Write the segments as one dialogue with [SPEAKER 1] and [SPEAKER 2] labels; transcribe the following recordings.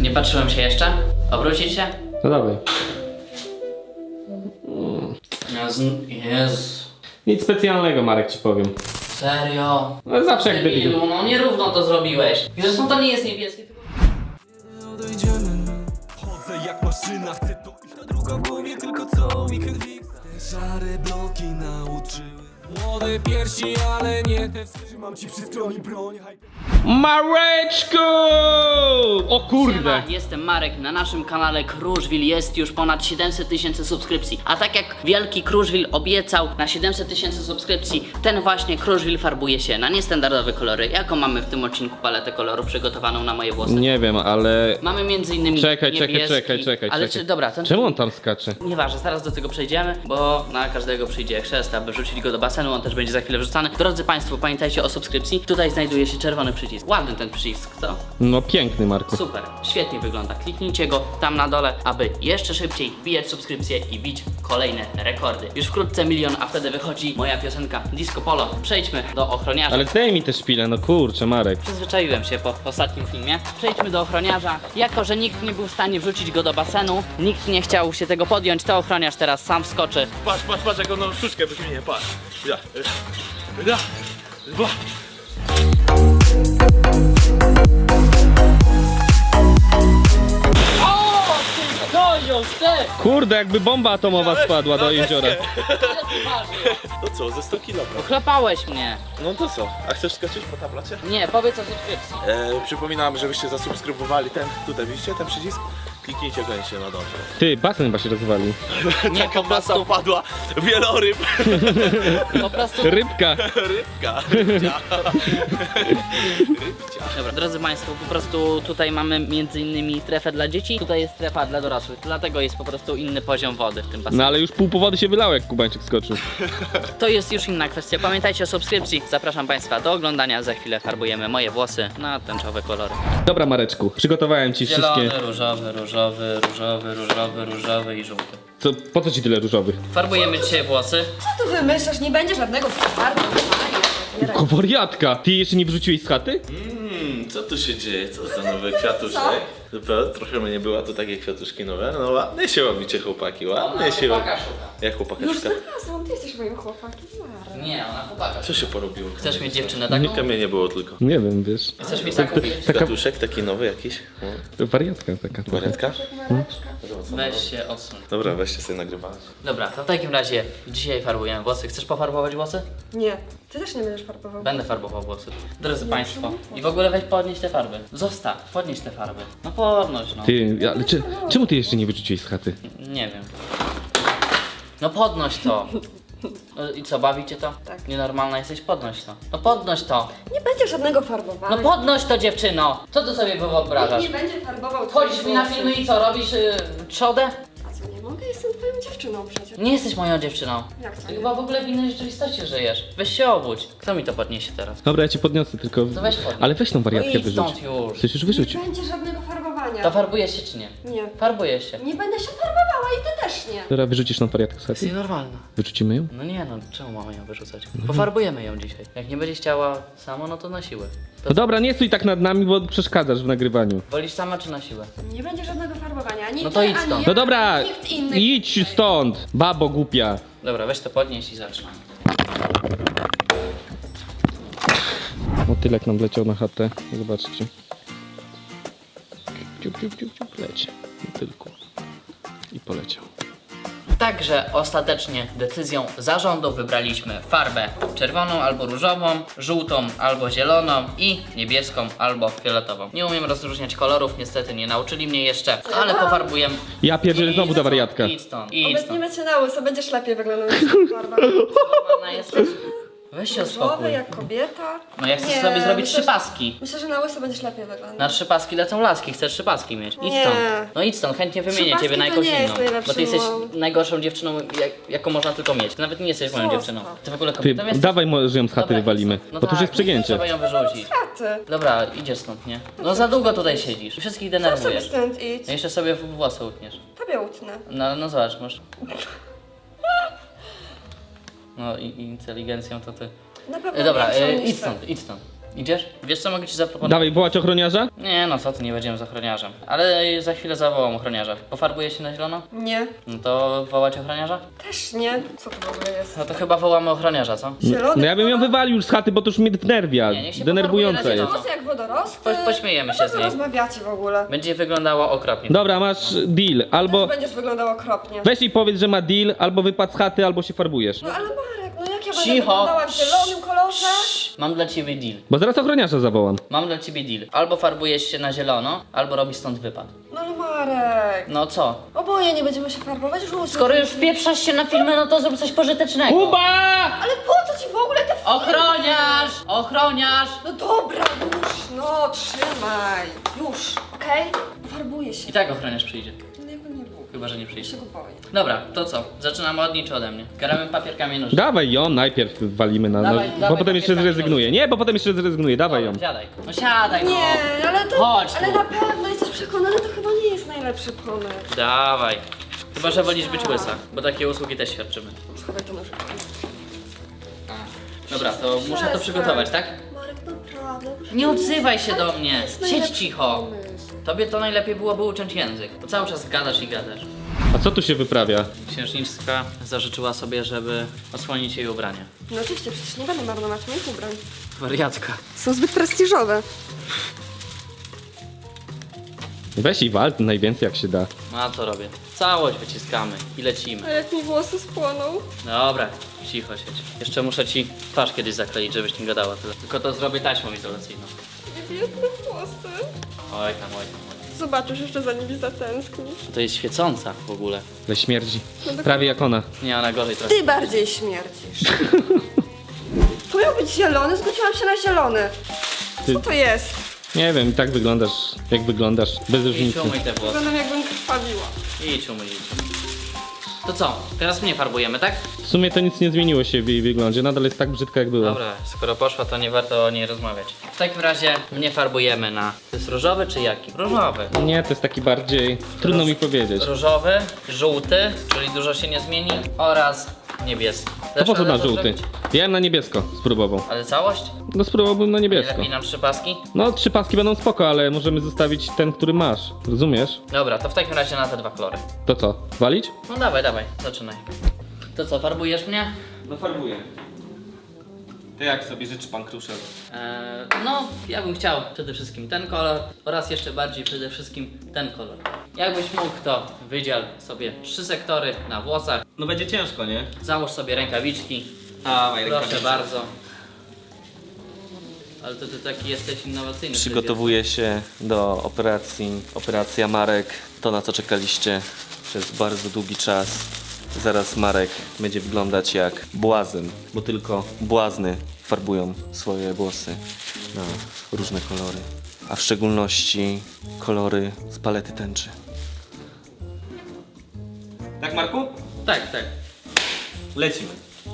[SPEAKER 1] Nie patrzyłem się jeszcze? Obrócić się?
[SPEAKER 2] No dawaj.
[SPEAKER 1] Jezu.
[SPEAKER 2] Nic specjalnego, Marek, ci powiem.
[SPEAKER 1] Serio?
[SPEAKER 2] No zawsze jak debil.
[SPEAKER 1] Debilu, no nierówno to zrobiłeś. I zresztą to nie jest niebieskie, tylko...
[SPEAKER 3] Chodzę jak maszyna, chcę to iść na druga w głowie, tylko co weekend fix. Te szare bloki nauczyły. Młode piersi, ale nie te trzymam ci przy stronie broń.
[SPEAKER 2] Mareczku! O kurde!
[SPEAKER 1] Siema, jestem Marek, na naszym kanale Kruszwil jest już ponad 700 000 subskrypcji. A tak jak wielki Kruszwil obiecał na 700 000 subskrypcji, ten właśnie Kruszwil farbuje się na niestandardowe kolory. Jaką mamy w tym odcinku paletę kolorów przygotowaną na moje włosy?
[SPEAKER 2] Nie wiem, ale...
[SPEAKER 1] Mamy między innymi
[SPEAKER 2] Czekaj.
[SPEAKER 1] Ale czy, dobra, ten...
[SPEAKER 2] Czemu on tam skacze?
[SPEAKER 1] Nieważne, zaraz do tego przejdziemy, bo na każdego przyjdzie chrzest, aby wrzucić go do basenu, on też będzie za chwilę wrzucany. Drodzy Państwo, pamiętajcie o subskrypcji. Tutaj znajduje się czerwony przycisk. Ładny ten przycisk, co?
[SPEAKER 2] No piękny, Marku.
[SPEAKER 1] Super, świetnie wygląda. Kliknijcie go tam na dole, aby jeszcze szybciej wbijać subskrypcje i bić kolejne rekordy. Już wkrótce 1 000 000, a wtedy wychodzi moja piosenka Disco Polo. Przejdźmy do ochroniarza.
[SPEAKER 2] Ale daj mi te szpile, no kurczę, Marek.
[SPEAKER 1] Przyzwyczaiłem się po ostatnim filmie. Przejdźmy do ochroniarza. Jako że nikt nie był w stanie wrzucić go do basenu, nikt nie chciał się tego podjąć, to ochroniarz teraz sam wskoczy.
[SPEAKER 4] Patrz, jak on sztuczkę wyśmieje, patrz. Ja. Dwa.
[SPEAKER 1] O, ty doją, ty!
[SPEAKER 2] Kurde, jakby bomba atomowa spadła do jeziora.
[SPEAKER 4] To co, ze 100 kg?
[SPEAKER 1] Ochlapałeś mnie.
[SPEAKER 4] No to co? A chcesz skoczyć po tablacie?
[SPEAKER 1] Nie, powiedz o subskrypcji.
[SPEAKER 4] Przypominam, żebyście zasubskrybowali ten, tutaj widzicie ten przycisk? Kliknijcie koniecznie na dole.
[SPEAKER 2] Ty, basen chyba się rozwalił.
[SPEAKER 1] Nie, po
[SPEAKER 4] Masa
[SPEAKER 1] prostu,
[SPEAKER 4] upadła, wieloryb,
[SPEAKER 1] po prostu...
[SPEAKER 2] Rybka.
[SPEAKER 4] rybcia.
[SPEAKER 1] Dobra, drodzy Państwo, po prostu tutaj mamy między innymi strefę dla dzieci, tutaj jest strefa dla dorosłych, dlatego jest po prostu inny poziom wody w tym basenie.
[SPEAKER 2] No ale już pół powody się wylało, jak Kubańczyk skoczył.
[SPEAKER 1] To jest już inna kwestia. Pamiętajcie o subskrypcji. Zapraszam Państwa do oglądania. Za chwilę farbujemy moje włosy na tęczowe kolory.
[SPEAKER 2] Dobra, Mareczku, przygotowałem ci wszystkie...
[SPEAKER 1] różowy i żółty.
[SPEAKER 2] Co, po co ci tyle różowych?
[SPEAKER 1] Farbujemy dzisiaj włosy.
[SPEAKER 5] Co tu wymyślasz? Nie będzie żadnego farbu.
[SPEAKER 2] Ko wariatka! Ty jeszcze nie wrzuciłeś z chaty?
[SPEAKER 4] Co tu się dzieje? Co za nowy kwiatuszek? Dobra, trochę mnie była, to takie kwiatuszki nowe. No ładnie się łapicie, chłopaki, ładnie się
[SPEAKER 1] chłopaka
[SPEAKER 4] łapicie.
[SPEAKER 1] szuka.
[SPEAKER 4] Jak chłopaka
[SPEAKER 5] Już
[SPEAKER 4] szuka?
[SPEAKER 5] znalazłam, ty jesteś moim chłopakiem. Mara.
[SPEAKER 1] Nie, ona chłopaka.
[SPEAKER 4] Co się porobiło?
[SPEAKER 1] Chcesz mieć dziewczynę taką?
[SPEAKER 4] Nigdy mnie nie było tylko.
[SPEAKER 2] Nie wiem, wiesz.
[SPEAKER 1] Chcesz mieć taką?
[SPEAKER 2] Taka
[SPEAKER 4] Kwiatuszek taki nowy jakiś?
[SPEAKER 2] wariatka taka.
[SPEAKER 4] Wariatka?
[SPEAKER 1] Weź się odsuń.
[SPEAKER 4] Dobra, weźcie sobie nagrywać.
[SPEAKER 1] Dobra, to w takim razie dzisiaj farbujemy włosy. Chcesz pofarbować włosy?
[SPEAKER 5] Nie, ty też nie będziesz farbował.
[SPEAKER 1] Będę farbował włosy. Drodzy Państwo, i w ogóle weź podnieś te farby. Zostaw, podnieś te farby. No podnoś, no.
[SPEAKER 2] Ty, ale czemu ty jeszcze nie wyrzuciłeś z chaty?
[SPEAKER 1] Nie wiem. No podnoś to. No i co, bawicie to?
[SPEAKER 5] Tak.
[SPEAKER 1] Nienormalna jesteś? Podnoś to. No podnoś to.
[SPEAKER 5] Nie będzie żadnego farbowania.
[SPEAKER 1] No podnoś to, dziewczyno. Co ty sobie wyobrażasz?
[SPEAKER 5] Nie będzie farbował
[SPEAKER 1] Wchodzisz
[SPEAKER 5] twoich
[SPEAKER 1] mi na
[SPEAKER 5] włosów.
[SPEAKER 1] filmy i co, robisz trzodę?
[SPEAKER 5] A co, nie mogę? Jestem twoją dziewczyną przecież.
[SPEAKER 1] Nie jesteś moją dziewczyną.
[SPEAKER 5] Jak to
[SPEAKER 1] Ty
[SPEAKER 5] nie?
[SPEAKER 1] chyba w ogóle w innej rzeczywistości żyjesz. Weź się obudź. Kto mi to podniesie teraz?
[SPEAKER 2] Dobra, ja ci podniosę, tylko...
[SPEAKER 1] To weź podnieś.
[SPEAKER 2] Ale weź tą
[SPEAKER 1] No
[SPEAKER 2] wariatkę
[SPEAKER 1] idź
[SPEAKER 2] wyrzuć.
[SPEAKER 1] stąd już.
[SPEAKER 2] Chcesz już wyrzucić?
[SPEAKER 5] Nie będzie żadnego farbowania.
[SPEAKER 1] To farbujesz się czy nie?
[SPEAKER 5] Nie.
[SPEAKER 1] Farbujesz się.
[SPEAKER 5] Nie będę się farbowała i ty też nie.
[SPEAKER 2] Dobra, wyrzucisz tą wariatkę z
[SPEAKER 1] Jest
[SPEAKER 2] chaty?
[SPEAKER 1] nienormalna.
[SPEAKER 2] Wyrzucimy ją?
[SPEAKER 1] No nie no, czemu mamy ją wyrzucać? Pofarbujemy ją dzisiaj. Jak nie będzie chciała samo, no to na siłę.
[SPEAKER 2] No dobra, nie stój tak nad nami, bo przeszkadzasz w nagrywaniu.
[SPEAKER 1] Wolisz sama czy na siłę?
[SPEAKER 5] Nie będzie żadnego farbowania. Ani
[SPEAKER 1] No to
[SPEAKER 5] ty,
[SPEAKER 1] idź
[SPEAKER 5] ani
[SPEAKER 1] stąd.
[SPEAKER 5] ja,
[SPEAKER 2] No dobra,
[SPEAKER 5] ani nikt inny.
[SPEAKER 2] idź stąd, babo głupia.
[SPEAKER 1] Dobra, weź to podnieś i zaczynamy.
[SPEAKER 2] Motylek nam leciał na chatę, zobaczcie. Ciup, ciup, ciup, ciup, leci. Motylku. I poleciał.
[SPEAKER 1] Także ostatecznie decyzją zarządu wybraliśmy farbę czerwoną albo różową, żółtą albo zieloną i niebieską albo fioletową. Nie umiem rozróżniać kolorów, niestety nie nauczyli mnie jeszcze, ale pofarbujemy.
[SPEAKER 2] Ja pierdzielę znowu ta wariatka.
[SPEAKER 1] Idź stąd, idź stąd.
[SPEAKER 5] Obecniemy cię na łyso, będziesz lepiej wyglądał niż ta farba.
[SPEAKER 1] Normalna jesteś? Weź się
[SPEAKER 5] Różowy
[SPEAKER 1] uspokój.
[SPEAKER 5] jak kobieta.
[SPEAKER 1] No ja chcę
[SPEAKER 5] Nie,
[SPEAKER 1] sobie zrobić
[SPEAKER 5] myślę,
[SPEAKER 1] 3 paski.
[SPEAKER 5] Myślę, że na łyso będziesz lepiej wyglądał.
[SPEAKER 1] Na 3 paski lecą laski, chcesz 3 paski mieć. Idź
[SPEAKER 5] Nie.
[SPEAKER 1] stąd. No idź stąd, chętnie wymienię
[SPEAKER 5] 3
[SPEAKER 1] ciebie na
[SPEAKER 5] paski to
[SPEAKER 1] jakąś
[SPEAKER 5] nie jest
[SPEAKER 1] inną.
[SPEAKER 5] najlepszy
[SPEAKER 1] Bo ty jesteś
[SPEAKER 5] mol.
[SPEAKER 1] najgorszą dziewczyną, jaką można tylko mieć. Ty nawet nie jesteś moją
[SPEAKER 5] Zostaw.
[SPEAKER 1] dziewczyną. Ty w ogóle
[SPEAKER 2] Ty,
[SPEAKER 1] kobietą jesteś?
[SPEAKER 2] dawaj może ją z chaty
[SPEAKER 1] Dobra,
[SPEAKER 2] wywalimy,
[SPEAKER 1] idź stąd. No
[SPEAKER 2] bo to już
[SPEAKER 1] tak,
[SPEAKER 2] jest przegięcie.
[SPEAKER 1] Trzeba ją wyrzucić.
[SPEAKER 5] Taty.
[SPEAKER 1] Dobra, idziesz stąd, nie? No za długo tutaj siedzisz. Wszystkich
[SPEAKER 5] Sam sobie
[SPEAKER 1] denerwujesz.
[SPEAKER 5] stąd idź.
[SPEAKER 1] No jeszcze sobie włosy utniesz.
[SPEAKER 5] Tobie utnę.
[SPEAKER 1] No zobacz, masz. No i inteligencją to ty.
[SPEAKER 5] Na pewno
[SPEAKER 1] Dobra,
[SPEAKER 5] większą niż
[SPEAKER 1] idź
[SPEAKER 5] ty.
[SPEAKER 1] stąd, idź stąd. Idziesz? Wiesz co mogę ci zaproponować?
[SPEAKER 2] Dawaj, wołać ochroniarza?
[SPEAKER 1] Nie no co ty, nie będziemy z ochroniarzem. Ale za chwilę zawołam ochroniarza. Pofarbuje się na zielono?
[SPEAKER 5] Nie.
[SPEAKER 1] No to wołać ochroniarza?
[SPEAKER 5] Też nie. Co to w ogóle jest?
[SPEAKER 1] No to chyba wołamy ochroniarza, co?
[SPEAKER 5] Zielony
[SPEAKER 2] No ja bym ją
[SPEAKER 5] kolor?
[SPEAKER 2] wywalił już z chaty, bo to już mnie wnerwia.
[SPEAKER 1] Nie, niech się
[SPEAKER 2] Denerwujące
[SPEAKER 1] pofarbuje na
[SPEAKER 2] jest.
[SPEAKER 1] zielono.
[SPEAKER 5] Włosy jak wodorosty.
[SPEAKER 1] Pośmiejemy się
[SPEAKER 5] Co
[SPEAKER 1] z
[SPEAKER 5] wy
[SPEAKER 1] niej.
[SPEAKER 5] rozmawiacie w ogóle?
[SPEAKER 1] Będzie wyglądało okropnie.
[SPEAKER 2] Dobra, masz deal. Albo
[SPEAKER 5] Będziesz wyglądał okropnie.
[SPEAKER 2] weź i powiedz, że ma deal, albo wypad z chaty, albo się farbujesz.
[SPEAKER 5] No ale Marek, no jak ja będę
[SPEAKER 1] Cicho.
[SPEAKER 5] wyglądała w zielonym kolorze?
[SPEAKER 1] Mam dla ciebie deal.
[SPEAKER 2] Bo zaraz ochroniarza zawołam.
[SPEAKER 1] Mam dla ciebie deal. Albo farbujesz się na zielono, albo robisz stąd wypad.
[SPEAKER 5] No ale Marek.
[SPEAKER 1] No co?
[SPEAKER 5] Oboje nie będziemy się farbować, już
[SPEAKER 1] Skoro już wpieprzasz się na filmy, no to zrób coś pożytecznego.
[SPEAKER 2] Kuba!
[SPEAKER 5] Ale po co ci w ogóle te
[SPEAKER 1] Ochroniarz! Ochroniarz!
[SPEAKER 5] No dobra, już, no trzymaj. Już, okej? Farbuję się.
[SPEAKER 1] I tak ochroniarz przyjdzie.
[SPEAKER 5] No jakby nie było.
[SPEAKER 1] Chyba, że nie
[SPEAKER 5] Ja
[SPEAKER 1] przyjdzie.
[SPEAKER 5] się go boję.
[SPEAKER 1] Dobra, to co? Zaczynamy od niej czy ode mnie? Gramy papier, kamień, nożyce.
[SPEAKER 2] Dawaj ją, najpierw walimy na...
[SPEAKER 1] Dawaj,
[SPEAKER 2] bo
[SPEAKER 1] dawaj,
[SPEAKER 2] potem jeszcze
[SPEAKER 1] papier,
[SPEAKER 2] zrezygnuje. Nie, bo potem jeszcze zrezygnuje. Dawaj ją.
[SPEAKER 1] Dobra, siadaj. No siadaj, no.
[SPEAKER 5] Nie, ale to...
[SPEAKER 1] Chodź
[SPEAKER 5] ale
[SPEAKER 1] tu.
[SPEAKER 5] na pewno jesteś przekonany, to chyba nie jest najlepszy pomysł.
[SPEAKER 1] Dawaj. Chyba, że wolisz być łysa, bo takie usługi też świadczymy.
[SPEAKER 5] Schowaj to nożyczkę.
[SPEAKER 1] Dobra, to muszę to przygotować, tak?
[SPEAKER 5] Marek, naprawdę.
[SPEAKER 1] Nie odzywaj się do mnie.
[SPEAKER 5] jest
[SPEAKER 1] Siedź
[SPEAKER 5] najlepszy
[SPEAKER 1] cicho.
[SPEAKER 5] pomysł.
[SPEAKER 1] Tobie to najlepiej byłoby uciąć język, bo cały czas gadasz i gadasz.
[SPEAKER 2] A co tu się wyprawia?
[SPEAKER 1] Księżniczka zażyczyła sobie, żeby osłonić jej ubranie.
[SPEAKER 5] No oczywiście, przecież nie będę marnować moich ubrań.
[SPEAKER 1] Wariatka.
[SPEAKER 5] Są zbyt prestiżowe.
[SPEAKER 2] Weź i wal najwięcej jak się da.
[SPEAKER 1] No a co robię? Całość wyciskamy i lecimy.
[SPEAKER 5] A jak mi włosy spłoną?
[SPEAKER 1] Dobra, cicho siedź. Jeszcze muszę ci twarz kiedyś zakleić, żebyś nie gadała tyle. Tylko to zrobię taśmą izolacyjną.
[SPEAKER 5] Nie biedne włosy.
[SPEAKER 1] Oj tam, oj tam.
[SPEAKER 5] Zobaczysz, jeszcze za nimi zatęsknisz.
[SPEAKER 1] To jest świecąca w ogóle.
[SPEAKER 2] We śmierdzi. Prawie jak ona.
[SPEAKER 1] Nie, ona gorzej trochę.
[SPEAKER 5] Ty bardziej śmierdzisz. To miał być zielony, zgodziłam się na zielony.
[SPEAKER 2] Ty-
[SPEAKER 5] Co to jest?
[SPEAKER 2] Nie wiem, i tak wyglądasz, jak wyglądasz. Bez
[SPEAKER 1] Idź
[SPEAKER 2] różnicy.
[SPEAKER 1] umyj te włosy.
[SPEAKER 5] Wyglądam jakbym krwawiła.
[SPEAKER 1] Idź umyj, idź. To co? Teraz mnie farbujemy, tak?
[SPEAKER 2] W sumie to nic nie zmieniło się w jej wyglądzie. Nadal jest tak brzydka jak była.
[SPEAKER 1] Dobra, skoro poszła, to nie warto o niej rozmawiać. W takim razie mnie farbujemy na... To jest różowy czy jaki? Różowy.
[SPEAKER 2] Nie, to jest taki bardziej... Trudno mi powiedzieć.
[SPEAKER 1] Różowy, żółty, czyli dużo się nie zmieni, oraz niebieski.
[SPEAKER 2] To po co na
[SPEAKER 1] radę to
[SPEAKER 2] żółty?
[SPEAKER 1] zrobić?
[SPEAKER 2] Ja bym na niebiesko spróbował.
[SPEAKER 1] Ale całość?
[SPEAKER 2] No spróbowałbym na
[SPEAKER 1] Nie
[SPEAKER 2] niebiesko.
[SPEAKER 1] lepiej nam 3 paski?
[SPEAKER 2] No 3 paski będą spoko, ale możemy zostawić ten, który masz. Rozumiesz?
[SPEAKER 1] Dobra, to w takim razie na te 2 kolory.
[SPEAKER 2] To co? Walić?
[SPEAKER 1] No dawaj, dawaj, zaczynaj. To co, farbujesz mnie?
[SPEAKER 2] No farbuję. To jak sobie życzy pan Kruszel?
[SPEAKER 1] No, ja bym chciał przede wszystkim ten kolor oraz jeszcze bardziej przede wszystkim ten kolor. Jakbyś mógł, to wydziel sobie 3 sektory na włosach.
[SPEAKER 2] No będzie ciężko, nie?
[SPEAKER 1] Załóż sobie rękawiczki.
[SPEAKER 2] Dawaj,
[SPEAKER 1] Proszę bardzo. Ale to ty taki jesteś innowacyjny.
[SPEAKER 6] Przygotowuję się do operacji. Operacja Marek, to na co czekaliście przez bardzo długi czas. Zaraz Marek będzie wyglądać jak błazen, bo tylko błazny farbują swoje włosy na różne kolory. A w szczególności kolory z palety tęczy.
[SPEAKER 2] Tak, Marku?
[SPEAKER 1] Tak, tak.
[SPEAKER 2] Lecimy.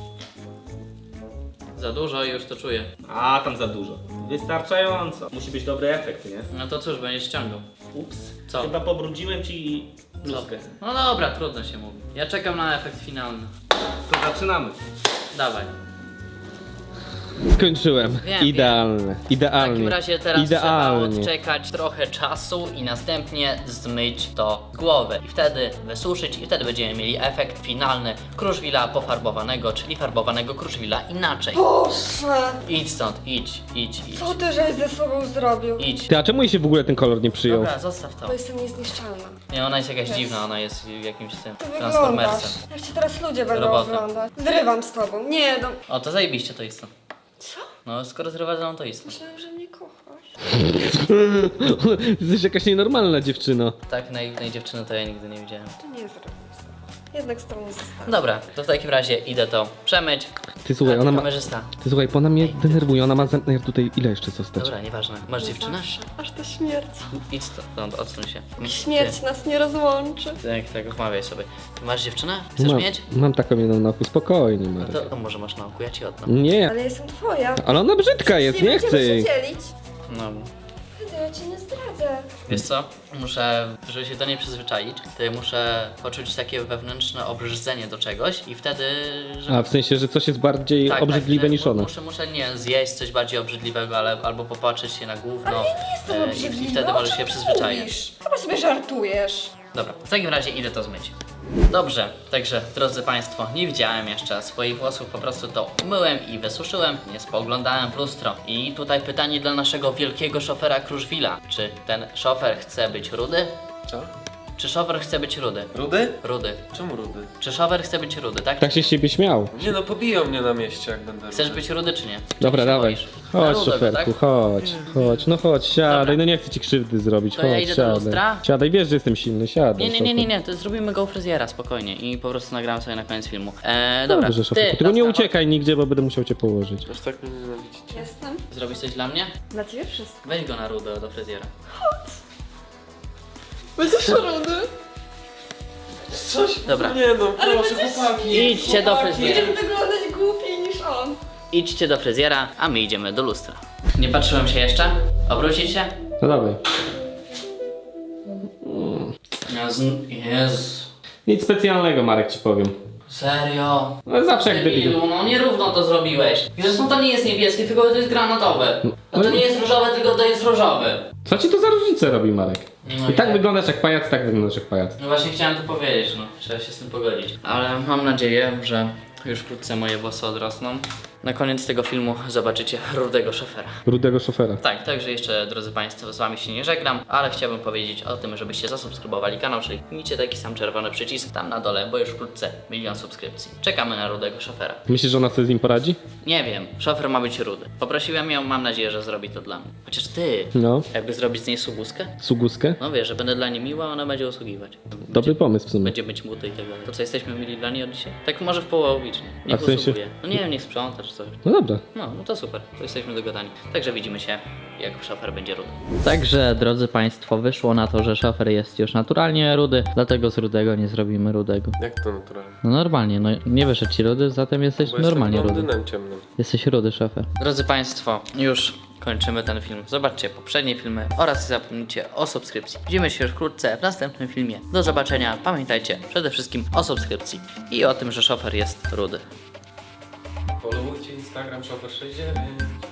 [SPEAKER 1] Za dużo i już to czuję.
[SPEAKER 2] A, tam za dużo. Wystarczająco. Musi być dobry efekt, nie?
[SPEAKER 1] No to cóż, będziesz ściągał.
[SPEAKER 2] Ups.
[SPEAKER 1] Co?
[SPEAKER 2] Chyba pobrudziłem ci
[SPEAKER 1] Co?
[SPEAKER 2] bluzkę.
[SPEAKER 1] No dobra, trudno się mówi. Ja czekam na efekt finalny.
[SPEAKER 2] To zaczynamy.
[SPEAKER 1] Dawaj.
[SPEAKER 2] Skończyłem.
[SPEAKER 1] Wiem,
[SPEAKER 2] Idealne.
[SPEAKER 1] W
[SPEAKER 2] Idealnie.
[SPEAKER 1] takim razie teraz
[SPEAKER 2] Idealnie.
[SPEAKER 1] trzeba odczekać trochę czasu i następnie zmyć to z głowy. I wtedy wysuszyć i wtedy będziemy mieli efekt finalny Kruszwila pofarbowanego, czyli farbowanego Kruszwila inaczej.
[SPEAKER 5] Boże!
[SPEAKER 1] Idź stąd, idź, idź, idź.
[SPEAKER 5] Co ty żeś ze sobą zrobił?
[SPEAKER 1] Idź.
[SPEAKER 2] Ty, a czemu jej się w ogóle ten kolor nie przyjął?
[SPEAKER 1] Dobra, zostaw to.
[SPEAKER 5] Bo jestem niezniszczalna.
[SPEAKER 1] Nie, ona jest jakaś dziwna, ona jest jakimś tym
[SPEAKER 5] Ty wyglądasz.
[SPEAKER 1] transformersem.
[SPEAKER 5] Jak cię teraz ludzie będą
[SPEAKER 1] Robota.
[SPEAKER 5] oglądać. Zrywam z tobą. Nie, no.
[SPEAKER 1] O, to zajebiście to jest to.
[SPEAKER 5] Co?
[SPEAKER 1] No, skoro zrywa to jest.
[SPEAKER 5] Myślałem, że mnie kochasz.
[SPEAKER 2] Jesteś jakaś nienormalna dziewczyno.
[SPEAKER 1] Tak naiwnej dziewczyny to ja nigdy nie widziałem.
[SPEAKER 5] To nie zrywam z tobą. Jednak z tobą nie zostanę.
[SPEAKER 1] Dobra, to w takim razie idę to przemyć.
[SPEAKER 2] Ty słuchaj,
[SPEAKER 1] A ty
[SPEAKER 2] ona ma...
[SPEAKER 1] kamerzysta.
[SPEAKER 2] Ty słuchaj, bo ona mnie denerwuje, ona ma zamiar tutaj ile jeszcze zostać?
[SPEAKER 1] Dobra, nieważne. Masz dziewczynę?
[SPEAKER 5] Zawsze. Aż to śmierć.
[SPEAKER 1] Idź stąd, odsuń się.
[SPEAKER 5] Śmierć nas nie rozłączy.
[SPEAKER 1] Tak, wmawiaj sobie. Masz dziewczynę? Chcesz mieć?
[SPEAKER 2] Mam taką jedną na oku, spokojnie
[SPEAKER 1] No
[SPEAKER 2] Marek.
[SPEAKER 1] to może masz na oku, ja ci oddam.
[SPEAKER 2] Nie,
[SPEAKER 5] Ale jestem twoja.
[SPEAKER 2] ale ona brzydka jest, nie
[SPEAKER 5] będziemy
[SPEAKER 2] chcę
[SPEAKER 5] się
[SPEAKER 2] jej.
[SPEAKER 5] dzielić.
[SPEAKER 1] No.
[SPEAKER 5] Ja cię nie zdradzę.
[SPEAKER 1] Wiesz co? Żeby się do niej przyzwyczaić, to ja muszę poczuć takie wewnętrzne obrzydzenie do czegoś i wtedy...
[SPEAKER 2] A w sensie, że coś jest bardziej obrzydliwe
[SPEAKER 1] tak,
[SPEAKER 2] niż ona.
[SPEAKER 1] Muszę nie zjeść coś bardziej obrzydliwego, albo popatrzeć się na gówno.
[SPEAKER 5] Ale ja nie jestem obrzydliwa.
[SPEAKER 1] I wtedy
[SPEAKER 5] o
[SPEAKER 1] możesz
[SPEAKER 5] czym
[SPEAKER 1] się
[SPEAKER 5] ty
[SPEAKER 1] przyzwyczaić.
[SPEAKER 5] mówisz? Chyba sobie żartujesz.
[SPEAKER 1] Dobra, w takim razie idę to zmyć. Dobrze, także drodzy Państwo, nie widziałem jeszcze swoich włosów, po prostu to umyłem i wysuszyłem, nie spoglądałem w lustro. I tutaj pytanie dla naszego wielkiego szofera Kruszwila. Czy ten szofer chce być rudy?
[SPEAKER 7] Co?
[SPEAKER 1] Czy szofer chce być rudy?
[SPEAKER 7] Rudy?
[SPEAKER 1] Rudy.
[SPEAKER 7] Czemu rudy?
[SPEAKER 1] Czy szofer chce być rudy, tak?
[SPEAKER 2] Tak się z ciebie śmiał.
[SPEAKER 7] Nie no, pobiją mnie na mieście, jak będę
[SPEAKER 1] Chcesz
[SPEAKER 7] rudy.
[SPEAKER 1] być rudy czy nie?
[SPEAKER 2] Dobra,
[SPEAKER 1] Czy się
[SPEAKER 2] dawaj.
[SPEAKER 1] boisz? Na
[SPEAKER 2] Chodź,
[SPEAKER 1] rudego,
[SPEAKER 2] szoferku,
[SPEAKER 1] tak?
[SPEAKER 2] chodź. No chodź, siadaj,
[SPEAKER 1] Dobra.
[SPEAKER 2] no nie chcę ci krzywdy zrobić.
[SPEAKER 1] To
[SPEAKER 2] Chodź,
[SPEAKER 1] ja idę do
[SPEAKER 2] siadaj.
[SPEAKER 1] lustra?
[SPEAKER 2] Siadaj, wiesz, że jestem silny, siadaj.
[SPEAKER 1] Nie, to zrobimy go u fryzjera spokojnie i po prostu nagram sobie na koniec filmu. Dobra,
[SPEAKER 2] Dobrze, szoferku, tylko nie uciekaj nigdzie, bo będę musiał cię położyć.
[SPEAKER 7] Aż tak mnie nienawidzicie.
[SPEAKER 5] Jestem.
[SPEAKER 1] Zrobisz coś dla mnie?
[SPEAKER 5] Dla ciebie wszystko.
[SPEAKER 1] Weź go na rudę do fryzjera.
[SPEAKER 5] Będziesz rudy?
[SPEAKER 7] Coś?
[SPEAKER 1] Dobra.
[SPEAKER 7] Nie no, proszę, chłopaki.
[SPEAKER 1] Idźcie do fryzjera.
[SPEAKER 5] Będziemy wyglądać głupiej niż on.
[SPEAKER 1] Idźcie do fryzjera, a my idziemy do lustra. Nie patrzyłem się jeszcze? Obrócić się?
[SPEAKER 2] No dawaj.
[SPEAKER 1] Jezu.
[SPEAKER 2] Nic specjalnego, Marek, ci powiem.
[SPEAKER 1] Serio?
[SPEAKER 2] No zawsze jak debilu.
[SPEAKER 1] Debilu, no nierówno to zrobiłeś. I zresztą to nie jest niebieskie, tylko to jest granatowe. No to nie jest różowe, tylko to jest różowy.
[SPEAKER 2] Co ci to za różnicę robi, Marek?
[SPEAKER 1] No
[SPEAKER 2] I tak wyglądasz jak pajac, tak wyglądasz jak pajac.
[SPEAKER 1] No właśnie chciałem to powiedzieć, no. Trzeba się z tym pogodzić. Ale mam nadzieję, że już wkrótce moje włosy odrosną. Na koniec tego filmu zobaczycie rudego szofera.
[SPEAKER 2] Rudego szofera.
[SPEAKER 1] Tak, także jeszcze, drodzy Państwo, z Wami się nie żegnam, ale chciałbym powiedzieć o tym, żebyście zasubskrybowali kanał, czyli kliknijcie taki sam czerwony przycisk tam na dole, bo już wkrótce 1 000 000 subskrypcji. Czekamy na rudego szofera.
[SPEAKER 2] Myślisz, że ona sobie z nim poradzi?
[SPEAKER 1] Nie wiem, szofer ma być rudy. Poprosiłem ją, mam nadzieję, że zrobi to dla mnie. Chociaż ty,
[SPEAKER 2] No.
[SPEAKER 1] jakby zrobić z niej sługuskę?
[SPEAKER 2] Suguskę?
[SPEAKER 1] No wiesz, że będę dla niej miła, ona będzie usługiwać.
[SPEAKER 2] Dobry pomysł w sumie.
[SPEAKER 1] Będzie być muty i tak dalej. To co, jesteśmy mili dla niej od dzisiaj? Tak może w połowicznie. Niech
[SPEAKER 2] A w sensie?
[SPEAKER 1] usługuje. No nie wiem, niech sprząta czy coś.
[SPEAKER 2] No dobra.
[SPEAKER 1] No to super, to jesteśmy dogadani. Także widzimy się, jak szofer będzie rudy. Także, drodzy Państwo, wyszło na to, że szofer jest już naturalnie rudy, dlatego z rudego nie zrobimy rudego.
[SPEAKER 7] Jak to naturalnie?
[SPEAKER 1] No normalnie, no nie wyszedł ci rudy, zatem jesteś
[SPEAKER 7] Bo
[SPEAKER 1] normalnie
[SPEAKER 7] jestem
[SPEAKER 1] rudy.
[SPEAKER 7] blondynem ciemnym.
[SPEAKER 1] Jesteś rudy, szofer. Drodzy Państwo, już kończymy ten film. Zobaczcie poprzednie filmy oraz nie zapomnijcie o subskrypcji. Widzimy się już wkrótce w następnym filmie. Do zobaczenia. Pamiętajcie przede wszystkim o subskrypcji i o tym, że szofer jest rudy.
[SPEAKER 7] Followujcie Instagram Shopper69.